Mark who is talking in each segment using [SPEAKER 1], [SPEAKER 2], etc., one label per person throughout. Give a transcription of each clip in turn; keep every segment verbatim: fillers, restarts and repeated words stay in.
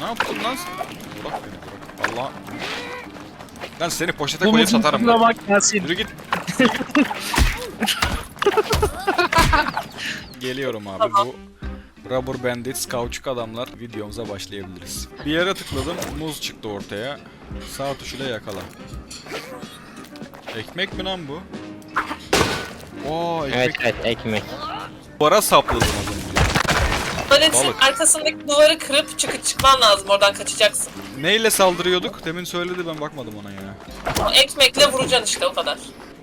[SPEAKER 1] Ne yaptın lan sen? Bırak beni bırak. Allah. Lan seni poşete koyup satarım.
[SPEAKER 2] Bak Yasin.
[SPEAKER 1] Yürü git. Geliyorum abi. Bu Rubber Bandits kauçuk adamlar videomuza başlayabiliriz. Bir yere tıkladım. Muz çıktı ortaya. Sağ tuşuyla yakala. Ekmek mi lan bu? Oo, ekmek.
[SPEAKER 3] Evet evet ekmek.
[SPEAKER 1] Duvara sapladım az önce.
[SPEAKER 4] Tuvaletin
[SPEAKER 1] Balık.
[SPEAKER 4] arkasındaki duvarı kırıp çıkıp çıkman lazım, oradan kaçacaksın.
[SPEAKER 1] Neyle saldırıyorduk? Demin söyledi, ben bakmadım ona ya.
[SPEAKER 4] O ekmekle vuracaksın işte, o kadar.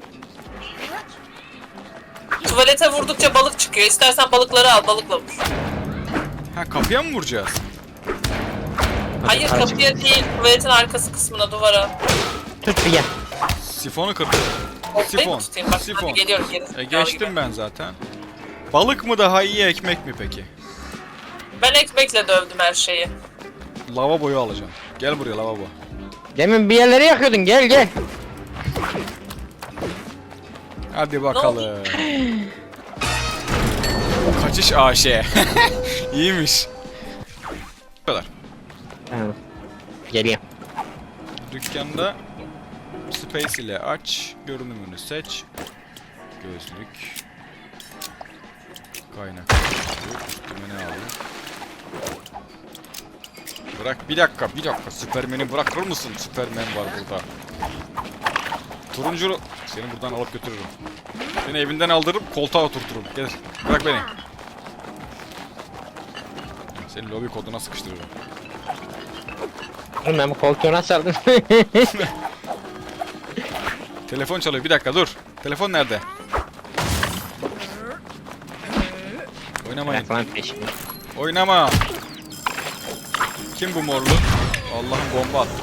[SPEAKER 4] Tuvalete vurdukça balık çıkıyor. İstersen balıkları al, balıkla vur.
[SPEAKER 1] Ha, kapıya mı vuracağız?
[SPEAKER 4] Hayır,
[SPEAKER 3] para
[SPEAKER 4] kapıya değil, tuvaletin arkası kısmına, duvara.
[SPEAKER 3] Tut bir gel.
[SPEAKER 1] Sifonu kırdım.
[SPEAKER 4] Ben
[SPEAKER 1] Sifon.
[SPEAKER 4] mi tutayım? Bak
[SPEAKER 1] Sifon.
[SPEAKER 4] hadi geliyorum geri.
[SPEAKER 1] E, geçtim ben zaten. Balık mı daha iyi, ekmek mi peki?
[SPEAKER 4] Ben ekmekle dövdüm her şeyi.
[SPEAKER 1] Lavaboyu alacağım. Gel buraya lavabo.
[SPEAKER 3] Demin bir yerleri yakıyordun, gel gel.
[SPEAKER 1] Hadi bakalım. Kaçış A Ş. İyiymiş. Bu kadar.
[SPEAKER 3] Tamam. Geliyorum.
[SPEAKER 1] Dükkanda Space ile aç, görünümünü seç. Gözlük. Kaynak. Üstüme ne alayım? Bırak bir dakika, bir dakika. Süpermen'i bırakır mısın? Süpermen var burada. Turuncu... Seni buradan alıp götürürüm. Seni evinden aldırıp koltuğa oturturum. Gel, bırak beni. Seni lobi koduna sıkıştırırım.
[SPEAKER 3] Oğlum ben bu koltuğu nasıl aldım?
[SPEAKER 1] Telefon çalıyor, bir dakika dur. Telefon nerede? Oynamayın.
[SPEAKER 3] Bırak lan peşimi.
[SPEAKER 1] Oynama. Kim bu morlu? Allah'ım, bomba attı.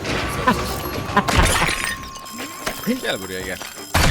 [SPEAKER 1] Gel buraya gel.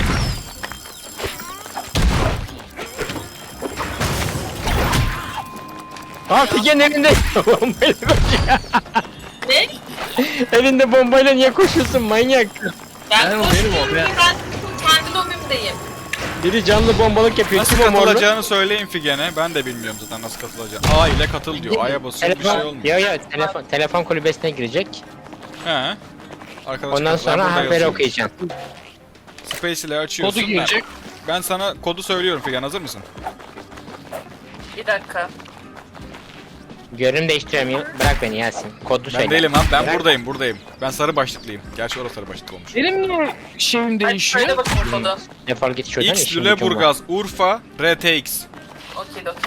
[SPEAKER 3] Aa Figen elinde bombayla koşuyor.
[SPEAKER 4] Ne?
[SPEAKER 3] Elinde bombayla niye koşuyorsun manyak?
[SPEAKER 4] Ben
[SPEAKER 2] Benim o,
[SPEAKER 4] koşmuyorum
[SPEAKER 2] benim o,
[SPEAKER 4] ki,
[SPEAKER 2] ben-
[SPEAKER 4] ben kendi lobimdeyim.
[SPEAKER 3] Biri canlı bombalık yapıyor.
[SPEAKER 1] Nasıl
[SPEAKER 3] Kim o morlu?
[SPEAKER 1] katılacağını söyleyin Figen'e. Ben de bilmiyorum zaten nasıl katılacağını. A ile katıl diyor. A'ya basıyor, bir şey
[SPEAKER 3] Telefon,
[SPEAKER 1] olmuyor.
[SPEAKER 3] yo yo telefon, telefon kulübesine girecek.
[SPEAKER 1] He. Arkadaşlar,
[SPEAKER 3] Ondan
[SPEAKER 1] ben
[SPEAKER 3] sonra
[SPEAKER 1] burada
[SPEAKER 3] haberi
[SPEAKER 1] yazıyorum.
[SPEAKER 3] okuyacaksın.
[SPEAKER 1] Space ile açıyorsun.
[SPEAKER 2] Kodu girecek.
[SPEAKER 1] Ben, ben sana kodu söylüyorum Figen, hazır mısın?
[SPEAKER 4] Bir dakika.
[SPEAKER 3] Görünüm değiştiriyorum. Bırak beni Yasin. Kodu
[SPEAKER 1] Ben
[SPEAKER 3] söyle.
[SPEAKER 1] değilim lan, ben
[SPEAKER 3] Bırak.
[SPEAKER 1] buradayım, buradayım. Ben sarı başlıklıyım. Gerçi orada sarı başlıklı olmuş.
[SPEAKER 2] Benim niye şeyim
[SPEAKER 4] Hadi
[SPEAKER 2] değişiyor?
[SPEAKER 4] söyle bakayım kodu.
[SPEAKER 3] Defol git şuradan.
[SPEAKER 1] X
[SPEAKER 3] işim gücüm var.
[SPEAKER 1] Lüleburgaz, Urfa, R T X.
[SPEAKER 4] Okey okey.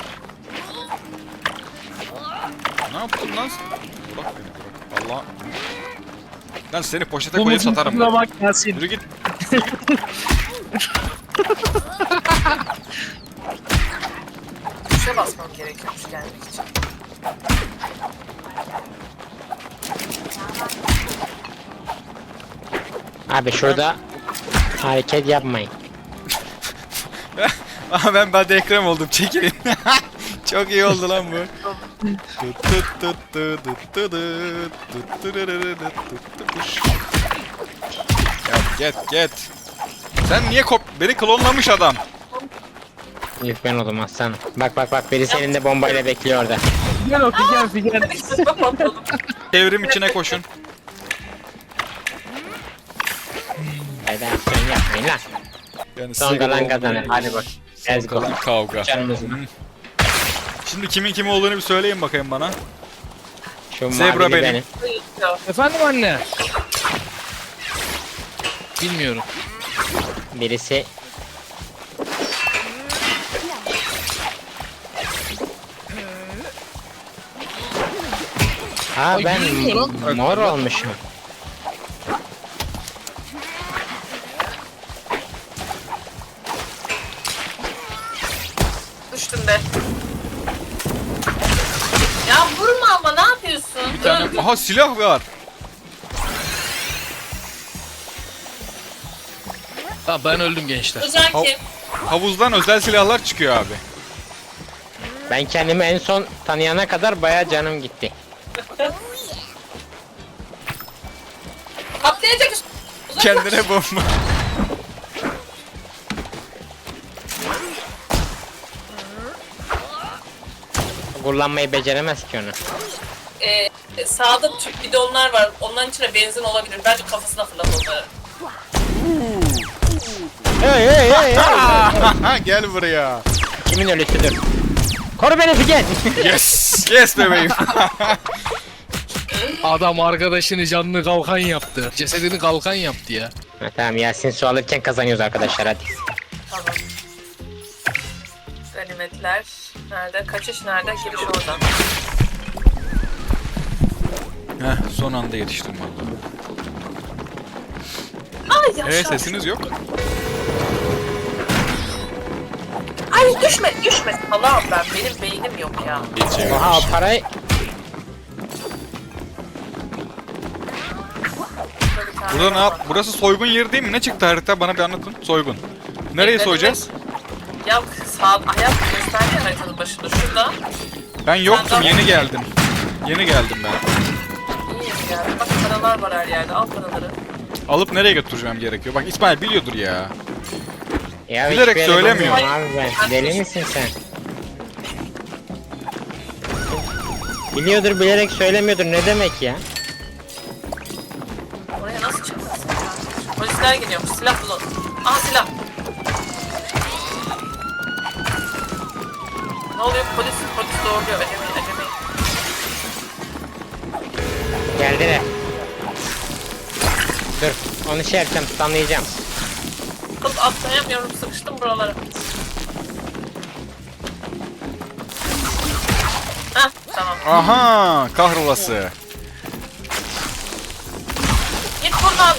[SPEAKER 1] Ne yaptın lan sen? Bırak beni bırak. Allah. Lan seni poşete
[SPEAKER 2] Bu
[SPEAKER 1] koyup satarım.
[SPEAKER 2] mutluluğa bak Yasin.
[SPEAKER 1] Yürü git.
[SPEAKER 4] Tuşa basmam gerekiyormuş gelmek için.
[SPEAKER 3] Abi şurada hareket yapmayın.
[SPEAKER 1] Aha, ben ben de Ekrem oldum, çekilin. Çok iyi oldu lan bu. Get get get. Sen niye kop... Beni klonlamış adam.
[SPEAKER 3] İlk ben oldum aslan. Bak bak bak birisi elinde bombayla bekliyor orada.
[SPEAKER 2] Figen o Figen Figen.
[SPEAKER 1] Devrim içine koşun.
[SPEAKER 3] Federasyon yapmayın lan.
[SPEAKER 1] Yani
[SPEAKER 3] Son
[SPEAKER 1] size
[SPEAKER 3] kalan
[SPEAKER 1] göre
[SPEAKER 3] kazanır.
[SPEAKER 1] olmayan-
[SPEAKER 3] Hadi bak.
[SPEAKER 1] Son
[SPEAKER 3] Let's go.
[SPEAKER 1] kalan kavga.
[SPEAKER 3] Canımızın.
[SPEAKER 1] Şimdi kimin kim olduğunu bir söyleyin bakayım bana.
[SPEAKER 3] Şu
[SPEAKER 1] Zebra
[SPEAKER 3] mavili
[SPEAKER 1] benim.
[SPEAKER 2] Efendim anne. Bilmiyorum.
[SPEAKER 3] Birisi Ha
[SPEAKER 2] Ay,
[SPEAKER 3] ben
[SPEAKER 2] bilmiyorum.
[SPEAKER 3] mor olmuşum.
[SPEAKER 4] Düştüm de. Ya vurma ama, ne yapıyorsun?
[SPEAKER 1] Bir tane... Aha, silah var.
[SPEAKER 2] Tamam ben öldüm gençler.
[SPEAKER 4] Özen
[SPEAKER 1] Hav-
[SPEAKER 4] kim?
[SPEAKER 1] Havuzdan özel silahlar çıkıyor abi.
[SPEAKER 3] Ben kendimi en son tanıyana kadar bayağı canım gitti.
[SPEAKER 4] Atlayacak üst- Uzaklaş.
[SPEAKER 1] Kendine bomba.
[SPEAKER 3] Kullanmayı beceremez ki onu.
[SPEAKER 4] Ee, sağda tüp bidonlar var. Onların içine benzin olabilir. Bence kafasına fırlat onları.
[SPEAKER 3] Hey hey hey hey.
[SPEAKER 1] Gel buraya.
[SPEAKER 3] Kimin ölüsüdür? Koru beni Figen.
[SPEAKER 1] Yes. Yes bebeğim.
[SPEAKER 2] Adam arkadaşını canlı kalkan yaptı. Cesedini kalkan yaptı ya.
[SPEAKER 3] Ha, tamam Yasin su alırken kazanıyoruz arkadaşlar hadi.
[SPEAKER 4] Tamam. Ganimetler. Nerede? Kaçış nerede? Giriş oradan.
[SPEAKER 1] Heh, son anda yetiştim vallahi.
[SPEAKER 4] Ay yaşa.
[SPEAKER 1] Evet sesiniz yok.
[SPEAKER 4] Ay düşme düşme. Allah'ım ben. Benim beynim yok ya.
[SPEAKER 1] Hiç çevirmiş.
[SPEAKER 3] Oha o parayı
[SPEAKER 4] Böyle bir tane
[SPEAKER 1] Burada ne
[SPEAKER 4] var.
[SPEAKER 1] yap? Burası soygun yeri değil mi? Ne çıktı harita? Bana bir anlatın. Soygun. Nereye
[SPEAKER 4] Bekle,
[SPEAKER 1] soyacağız?
[SPEAKER 4] Ya sağ ayak gösterdi ya haritanın başında. Şurada.
[SPEAKER 1] Ben yoktum.
[SPEAKER 4] Senden-
[SPEAKER 1] Yeni geldim. Yeni geldim ben.
[SPEAKER 4] İyi yani. Bak paralar var her yerde. Al paraları.
[SPEAKER 1] Alıp nereye götüreceğim gerekiyor? Bak İsmail biliyordur ya.
[SPEAKER 3] ya
[SPEAKER 1] Bilerek
[SPEAKER 3] hiçbir yere
[SPEAKER 1] söylemiyor.
[SPEAKER 3] bilmiyorum Abi ben. Deli misin sen? Biliyordur bilerek söylemiyordur ne demek ya?
[SPEAKER 4] Oraya nasıl çıkacaksın ya? Polisler geliyormuş. Silah bulun. Aha silah. Ne oluyor? Polis, polis doğruluyor. Acemi, acemi.
[SPEAKER 3] Geldiler. Dur onu şey yapacağım tutamlayacağım.
[SPEAKER 4] Kız atlayamıyorum. Sıkıştım buralara. Heh, tamam.
[SPEAKER 1] Aha, kahrolası.
[SPEAKER 4] Git buradan.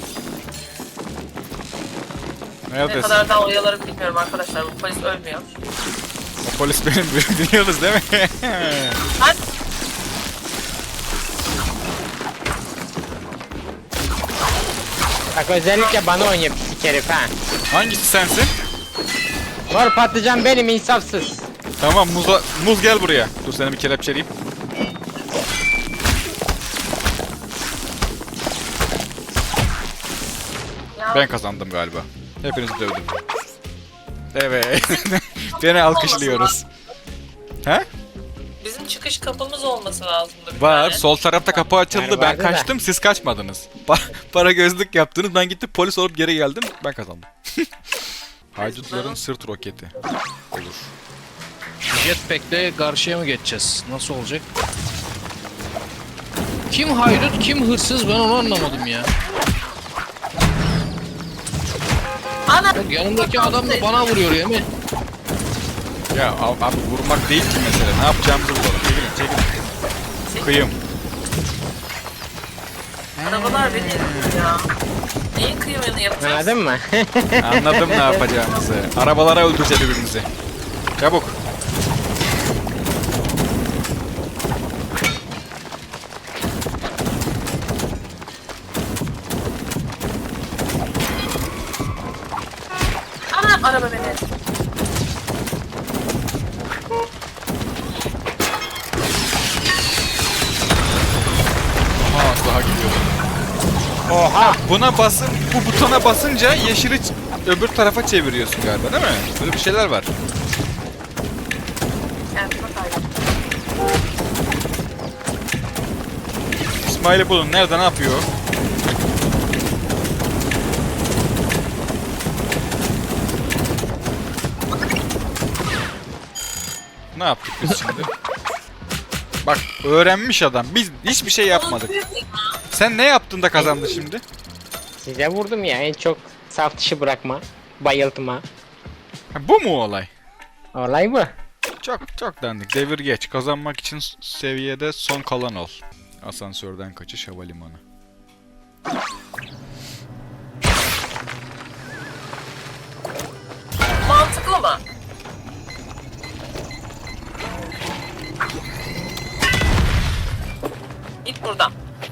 [SPEAKER 4] Ne
[SPEAKER 1] Neredesin?
[SPEAKER 4] kadar daha oyalarım bilmiyorum arkadaşlar. Bu polis ölmüyor.
[SPEAKER 1] O polis benim, biliyorsunuz değil mi?
[SPEAKER 4] Hadi.
[SPEAKER 3] Bak özellikle bana oynuyor pislik herif ha.
[SPEAKER 1] Hangisi sensin?
[SPEAKER 3] Mor patlıcan benim insafsız.
[SPEAKER 1] Tamam, muza, muz gel buraya. Dur seni bir kelepçeleyeyim.
[SPEAKER 4] Ya,
[SPEAKER 1] Ben kazandım galiba. Hepinizi dövdüm. Evet. Beni alkışlıyoruz. He?
[SPEAKER 4] bizim çıkış kapımız olması lazımdı. bir
[SPEAKER 1] Var.
[SPEAKER 4] tane.
[SPEAKER 1] Sol tarafta kapı açıldı.
[SPEAKER 3] Yani
[SPEAKER 1] Ben
[SPEAKER 3] vardı da.
[SPEAKER 1] kaçtım. Siz kaçmadınız. Pa- para gözlük yaptınız. Ben gittim polis olup geri geldim. Ben kazandım. Haydutların sırt roketi. Olur.
[SPEAKER 2] Jetpack'le karşıya mı geçeceğiz? Nasıl olacak? Kim haydut, kim hırsız ben onu anlamadım ya.
[SPEAKER 4] Ana!
[SPEAKER 2] Bak yanımdaki adam da bana vuruyor ya mi?
[SPEAKER 1] Ya ab- abi vurmak değil ki mesele. Ne yapacağımızı bulalım. Çekilin çekilin. Kıyım.
[SPEAKER 4] Arabalar beni eziyor ya. Neyin kıyımını yapacağız?
[SPEAKER 3] Anladın mı?
[SPEAKER 1] Anladım ne yapacağımızı. Arabalara öldüreceğiz birbirimizi. Çabuk.
[SPEAKER 4] Ana! Araba beni eziyor.
[SPEAKER 1] Aha daha gidiyor.
[SPEAKER 3] Oha.
[SPEAKER 1] Buna basın, bu butona basınca yeşili ç- öbür tarafa çeviriyorsun galiba değil mi? Böyle bir şeyler var.
[SPEAKER 4] Kendime kaybettim.
[SPEAKER 1] İsmail'i bulun. Nerede ne yapıyor? Ne yaptık biz şimdi? Bak öğrenmiş adam. Biz hiçbir şey yapmadık. Sen ne yaptın da kazandın şimdi?
[SPEAKER 3] Size vurdum ya en çok saf dışı bırakma. Bayıltma.
[SPEAKER 1] Ha, bu mu olay?
[SPEAKER 3] Olay bu.
[SPEAKER 1] Çok çok dandik. Devir geç. Kazanmak için s- seviyede son kalan ol. Asansörden kaçış havalimanı.
[SPEAKER 4] Mantıklı mı? Git buradan.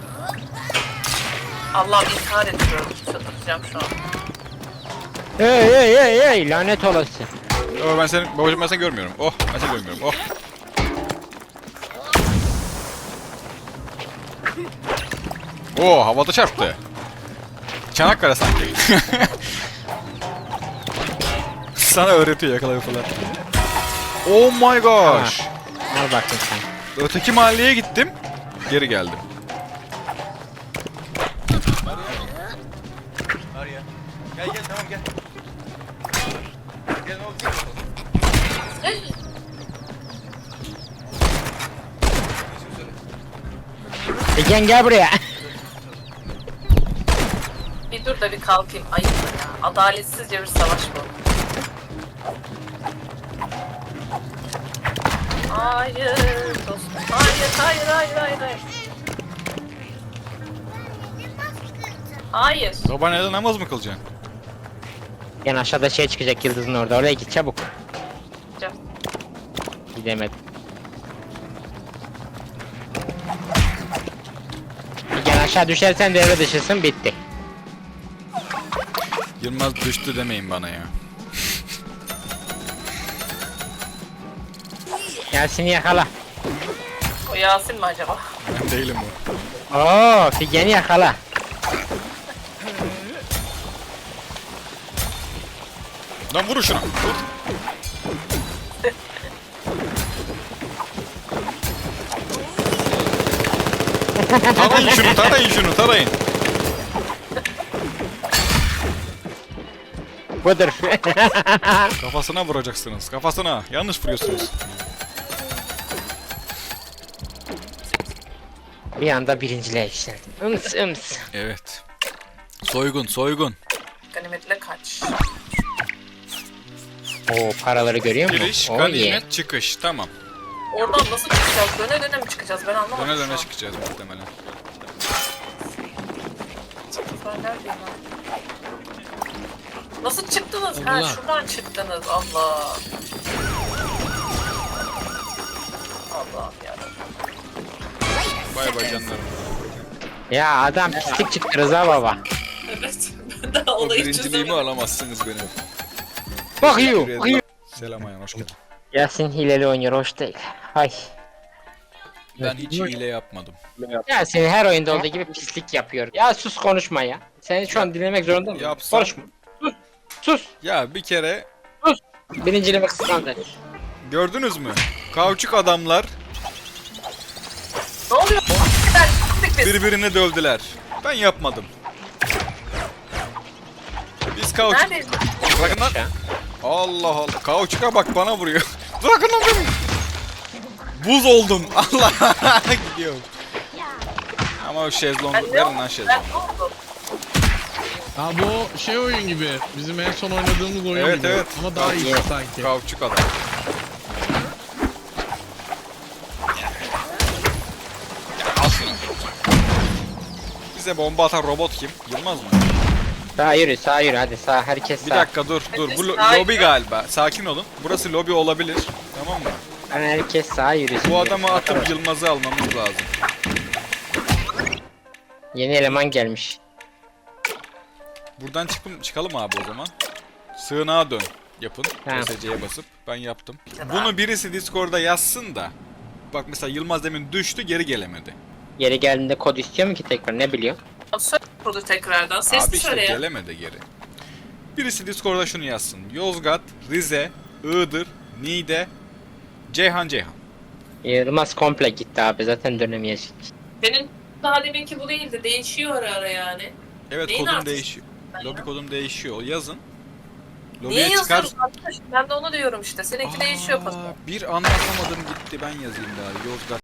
[SPEAKER 4] Allah'ım intihar ediyorum. Çıldıracağım şu an.
[SPEAKER 3] Hey hey hey hey lanet olası.
[SPEAKER 1] Oh, ben seni, babacığım ben seni görmüyorum. Oh, ben seni görmüyorum. Oh. Oo, havada çarptı. Çanakkale sanki. Sana öğretiyor yakalayı falan. Oh my gosh.
[SPEAKER 3] Al bakayım sen.
[SPEAKER 1] Öteki mahalleye gittim. geri geldim. Arya. Gel gel tamam gel. Gel ne oldu?
[SPEAKER 3] Egen gel buraya.
[SPEAKER 4] Bir dur da bir kalkayım. Ayıp ya. Adaletsizce bir savaş bu. Hayır dostum. Hayır, hayır, hayır, hayır, hayır. Hayır.
[SPEAKER 1] Babaanneden namaz mı kılacaksın?
[SPEAKER 3] Yani aşağıda şey çıkacak yıldızın orada. Oraya git çabuk.
[SPEAKER 4] Can.
[SPEAKER 3] Gidemedim. Egen aşağı düşersen devre dışısın, bitti.
[SPEAKER 1] Yılmaz düştü demeyin bana ya.
[SPEAKER 3] Yasin'i yakala.
[SPEAKER 4] O Yasin mi acaba?
[SPEAKER 1] Ben değilim o.
[SPEAKER 3] Oo, Figen'i yakala.
[SPEAKER 1] Lan vurun şuna. Vur. Tarayın şunu, tarayın şunu, tarayın.
[SPEAKER 3] Budur.
[SPEAKER 1] Kafasına vuracaksınız, kafasına. Yanlış vuruyorsunuz.
[SPEAKER 3] Bir anda birinciliğe yükseldim. Ims ıms.
[SPEAKER 1] Evet. Soygun, soygun.
[SPEAKER 4] Ganimetle kaç.
[SPEAKER 3] Oo, paraları görüyor musun?
[SPEAKER 1] Giriş,
[SPEAKER 3] Oo,
[SPEAKER 1] ganimet,
[SPEAKER 3] iyi.
[SPEAKER 1] çıkış. Tamam.
[SPEAKER 4] Oradan nasıl çıkacağız? Döne döne mi çıkacağız? Ben anlamadım.
[SPEAKER 1] Döne
[SPEAKER 4] şu
[SPEAKER 1] döne
[SPEAKER 4] an.
[SPEAKER 1] çıkacağız muhtemelen.
[SPEAKER 4] Ben neredeyim lan? Nasıl çıktınız? Ha
[SPEAKER 2] Allah.
[SPEAKER 4] şuradan çıktınız. Allah. Allah ya.
[SPEAKER 1] Bay bay canlarım.
[SPEAKER 3] Ya adam pislik çıktı Rıza baba.
[SPEAKER 4] Evet. Ben daha
[SPEAKER 1] O
[SPEAKER 4] olayı
[SPEAKER 1] birinciliğimi
[SPEAKER 4] çözemedim.
[SPEAKER 1] alamazsınız benim.
[SPEAKER 3] Bakıyor.
[SPEAKER 1] Teşekkür
[SPEAKER 3] bakıyor.
[SPEAKER 1] ederim. Selam Ayhan, hoş geldin.
[SPEAKER 3] Yasin hileli oynuyor, hoş değil. Hay.
[SPEAKER 1] Ben hiç hile yapmadım.
[SPEAKER 3] Yasin her oyunda olduğu gibi pislik yapıyor. Ya sus, konuşma ya. Seni şu an dinlemek zorunda mıyım?
[SPEAKER 1] Yapsam-
[SPEAKER 3] Konuşma. Sus. Sus.
[SPEAKER 1] Ya bir kere
[SPEAKER 3] Birinciliğimi kıskandı.
[SPEAKER 1] gördünüz mü? Kauçuk adamlar
[SPEAKER 4] Ne oluyor? Ben çıktık biz.
[SPEAKER 1] birbirini dövdüler. Ben yapmadım. Biz kauçuk...
[SPEAKER 4] Neredeyiz?
[SPEAKER 1] Bırakın lan. Allah Allah. Kauçuka bak bana vuruyor. Bırakın lan beni. Buz oldum. Allah. Gidiyorum. Ama o şezlongu.
[SPEAKER 4] Ben ne
[SPEAKER 1] Verin
[SPEAKER 4] oldum?
[SPEAKER 1] lan
[SPEAKER 4] Ben
[SPEAKER 1] şezlongu.
[SPEAKER 4] ne oldum?
[SPEAKER 2] Ha bu şey oyun gibi. Bizim en son oynadığımız oyun
[SPEAKER 1] Evet,
[SPEAKER 2] gibi.
[SPEAKER 1] evet.
[SPEAKER 2] Ama daha iyi
[SPEAKER 3] Evet.
[SPEAKER 2] sanki.
[SPEAKER 1] Kauçuk adam. Al şunu. Bize bomba atan robot kim? Yılmaz mı?
[SPEAKER 3] Sağa yürü, sağa yürü, hadi sağ, herkes
[SPEAKER 1] Bir
[SPEAKER 3] sağ.
[SPEAKER 1] dakika dur dur. Bu lo-
[SPEAKER 4] Hayır.
[SPEAKER 1] lobi galiba. Sakin olun. Burası lobi olabilir. Tamam mı?
[SPEAKER 3] Yani herkes sağa yürüsün.
[SPEAKER 1] Bu adamı
[SPEAKER 3] diyor.
[SPEAKER 1] atıp Yılmaz'ı almamız lazım.
[SPEAKER 3] Yeni eleman gelmiş.
[SPEAKER 1] Buradan çıkım, çıkalım abi o zaman. Sığınağa dön. Yapın.
[SPEAKER 3] Tamam.
[SPEAKER 1] S C'ye basıp. Ben yaptım. Bunu birisi Discord'da yazsın da. Bak mesela Yılmaz demin düştü, geri gelemedi.
[SPEAKER 3] Geri geldiğinde kod istiyor mu ki tekrar, ne biliyor?
[SPEAKER 4] Söyle burada tekrardan. Sesli
[SPEAKER 1] Abi işte
[SPEAKER 4] söyle ya.
[SPEAKER 1] gelemedi geri. Birisi Discord'da şunu yazsın. Yozgat, Rize, Iğdır, Niğde, Ceyhan Ceyhan.
[SPEAKER 3] Yılmaz komple gitti abi, zaten dönemeyecek.
[SPEAKER 4] Benim daha deminki bu değildi. Değişiyor ara ara yani.
[SPEAKER 1] Evet
[SPEAKER 4] Neyin
[SPEAKER 1] kodum
[SPEAKER 4] artışı?
[SPEAKER 1] değişiyor.
[SPEAKER 4] Ben
[SPEAKER 1] Lobi
[SPEAKER 4] ya.
[SPEAKER 1] kodum değişiyor. Yazın.
[SPEAKER 4] Niye
[SPEAKER 1] Lobiye çıkar.
[SPEAKER 4] yazıyorsun arkadaş? Ben de onu diyorum işte. Seninki değişiyor
[SPEAKER 1] Aa,
[SPEAKER 4] pası.
[SPEAKER 1] bir anlatamadım gitti. Ben yazayım bari. Yozgat.